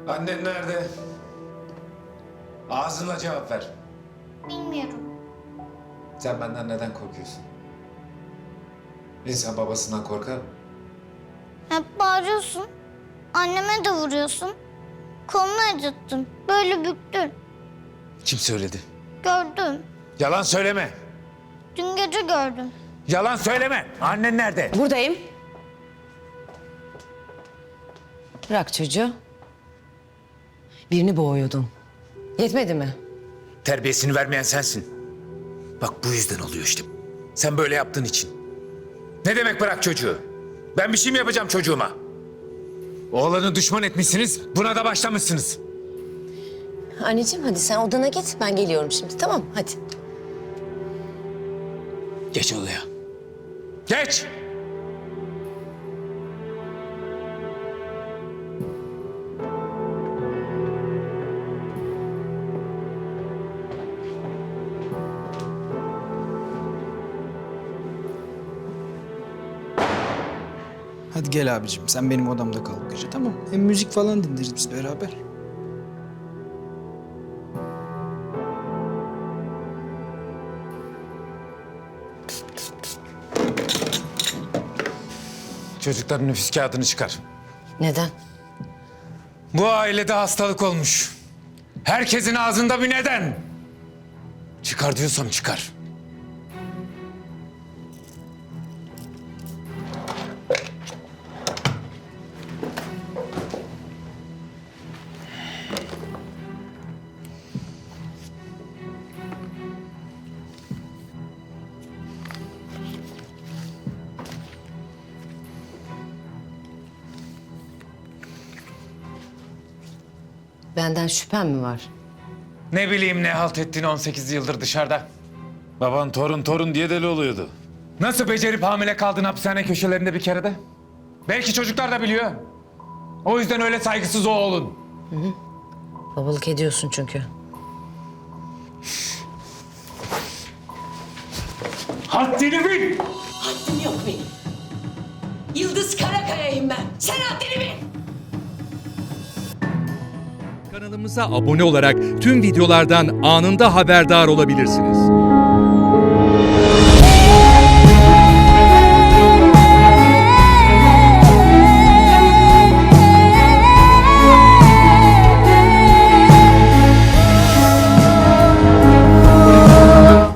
Annen nerede? Ağzınla cevap ver. Bilmiyorum. Sen benden neden korkuyorsun? İnsan babasından korkar mı? Hep bağırıyorsun. Anneme de vuruyorsun. Kolunu acıttın. Böyle büktün. Kim söyledi? Gördüm. Yalan söyleme. Dün gece gördüm. Yalan söyleme. Annen nerede? Buradayım. Bırak çocuğu. Birini boğuyordun. Yetmedi mi? Terbiyesini vermeyen sensin. Bak bu yüzden oluyor işte. Sen böyle yaptığın için. Ne demek bırak çocuğu? Ben bir şey mi yapacağım çocuğuma? Oğlanı düşman etmişsiniz, buna da başlamışsınız. Anneciğim hadi sen odana git. Ben geliyorum şimdi, tamam mı? Hadi. Geç odaya. Geç! Hadi gel abicim, sen benim odamda kal bu gece, tamam mı? Hem müzik falan dinleriz biz beraber. Çocukların nüfus kağıdını çıkar. Neden? Bu ailede hastalık olmuş. Herkesin ağzında bir neden. Çıkar diyorsam çıkar. Benden şüphen mi var? Ne bileyim ne halt ettiğini 18 yıldır dışarıda. Baban torun diye deli oluyordu. Nasıl becerip hamile kaldın hapishane köşelerinde bir kerede? Belki çocuklar da biliyor. O yüzden öyle saygısız o oğlun. Babalık ediyorsun çünkü. Haddini bil! Haddim yok benim. Yıldız Karakaya'yım ben. Sen haddini bil. Kanalımıza abone olarak tüm videolardan anında haberdar olabilirsiniz.